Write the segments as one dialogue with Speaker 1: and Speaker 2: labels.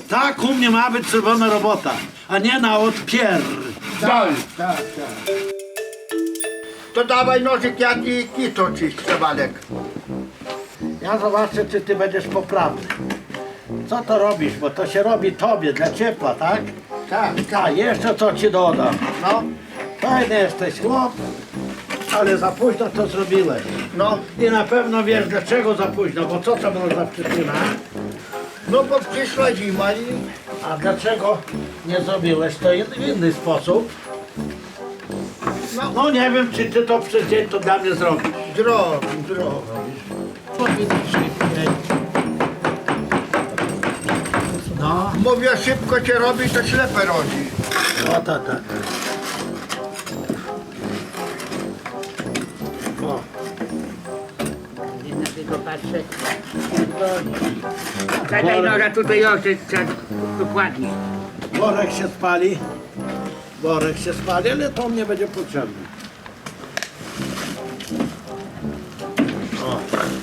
Speaker 1: Tak u mnie ma być zrobiona robota, a nie na odpier.
Speaker 2: Tak. To dawaj nożyk, ja ci kito czyszczę, Walek.
Speaker 1: Ja zobaczę, czy ty będziesz poprawny. Co to robisz, bo to się robi tobie, dla ciepła, tak?
Speaker 2: Tak.
Speaker 1: A jeszcze co ci dodam.
Speaker 2: No,
Speaker 1: Fajny jesteś chłop, ale za późno to zrobiłeś.
Speaker 2: no,
Speaker 1: I na pewno wiesz dlaczego za późno, bo co to było za przyczyna?
Speaker 2: no bo przyszła zima i...
Speaker 1: A dlaczego nie zrobiłeś to w inny sposób? No nie wiem, czy ty to przez dzień to dla mnie zrobisz.
Speaker 2: Zrobię.
Speaker 1: Powinien szybciej. No,
Speaker 2: Mówię, szybko się robi, to ślepe rodzi.
Speaker 1: o tak. O,
Speaker 3: Nie na tego patrzę. Zadaj noga tutaj oczy, dokładnie.
Speaker 1: worek się spali. Worek się spali, ale to mnie będzie potrzebne. O.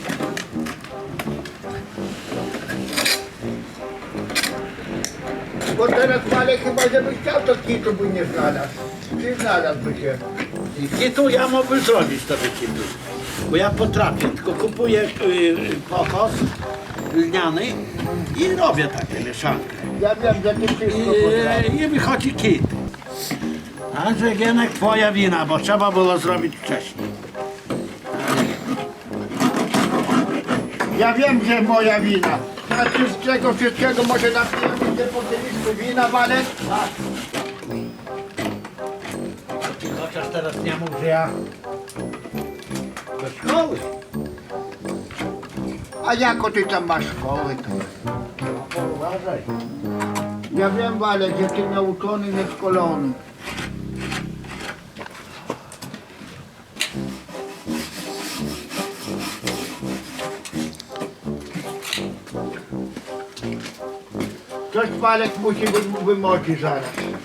Speaker 2: Bo teraz Walek chyba, żeby chciał, to kito by nie znalazł. Czy znalazłby się?
Speaker 1: I tu ja mógłbym zrobić to wycipy. Bo ja potrafię, tylko kupuję kokos lniany i robię takie mieszankę.
Speaker 2: Ja wiem, że ty wszystko potrafisz.
Speaker 1: I wychodzi kit. Także Gienek, twoja wina, bo trzeba było zrobić wcześniej.
Speaker 2: Ja wiem, że moja wina. Znaczy z tego wszystkiego może napijemy się po kieliszku wina, Walek?
Speaker 1: Chociaż teraz nie mów, że ja do szkoły.
Speaker 2: A jako ty tam masz szkoły, to...
Speaker 1: No, uważaj.
Speaker 2: Ja wiem, Walek, że ty nauczony, nieszkolony. Coś Walek musi wymoczyć zaraz.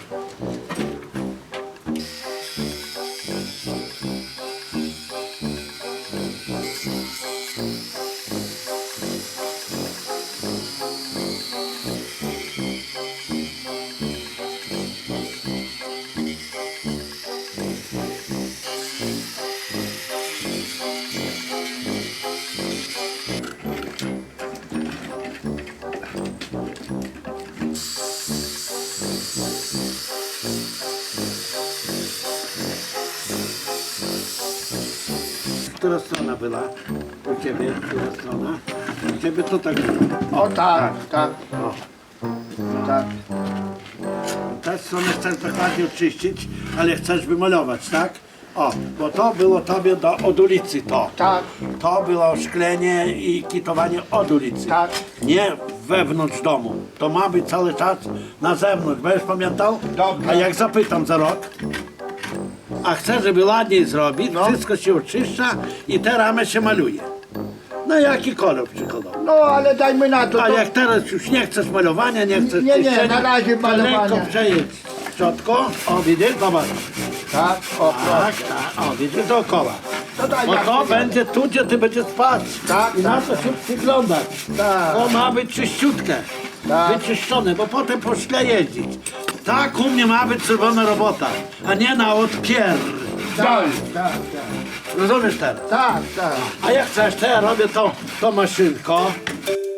Speaker 1: Która strona była u ciebie? Która strona? U ciebie to tak było.
Speaker 2: O tak, tak,
Speaker 1: O.
Speaker 2: tak.
Speaker 1: Tę stronę chcesz dokładnie oczyścić, ale chcesz wymalować, tak? O, bo to było tobie od ulicy to.
Speaker 2: Tak,
Speaker 1: To było szklenie i kitowanie od ulicy.
Speaker 2: tak.
Speaker 1: Nie wewnątrz domu. To ma być cały czas na zewnątrz. Będziesz pamiętał?
Speaker 2: Dobrze.
Speaker 1: A jak zapytam za rok, a chcę, żeby ładniej zrobić,
Speaker 2: No.
Speaker 1: wszystko się oczyszcza i te ramy się maluje. No jaki kolor przykładowo.
Speaker 2: No ale dajmy na to.
Speaker 1: A
Speaker 2: to...
Speaker 1: jak teraz już nie chcesz malowania, nie chcesz
Speaker 2: Nie,
Speaker 1: czyszczenia,
Speaker 2: na razie
Speaker 1: to
Speaker 2: malowania.
Speaker 1: lekko przejedź szczotką. O, widzisz? Zobacz.
Speaker 2: Tak, o
Speaker 1: Tak,
Speaker 2: proszę.
Speaker 1: tak. O, widzisz? Dookoła.
Speaker 2: To daj
Speaker 1: Bo
Speaker 2: ja
Speaker 1: to
Speaker 2: sobie.
Speaker 1: będzie tu, gdzie ty będziesz spać.
Speaker 2: Tak,
Speaker 1: I na
Speaker 2: tak,
Speaker 1: to się przyglądać.
Speaker 2: Tak.
Speaker 1: To ma być czyściutkie.
Speaker 2: Tak.
Speaker 1: Wyczyszczone, bo potem po szkle jeździć. Tak u mnie ma być zrobiona robota, a nie na odpier.
Speaker 2: Tak, tak,
Speaker 1: Rozumiesz teraz?
Speaker 2: tak, tak.
Speaker 1: A jak chcesz, to ja robię to maszynko.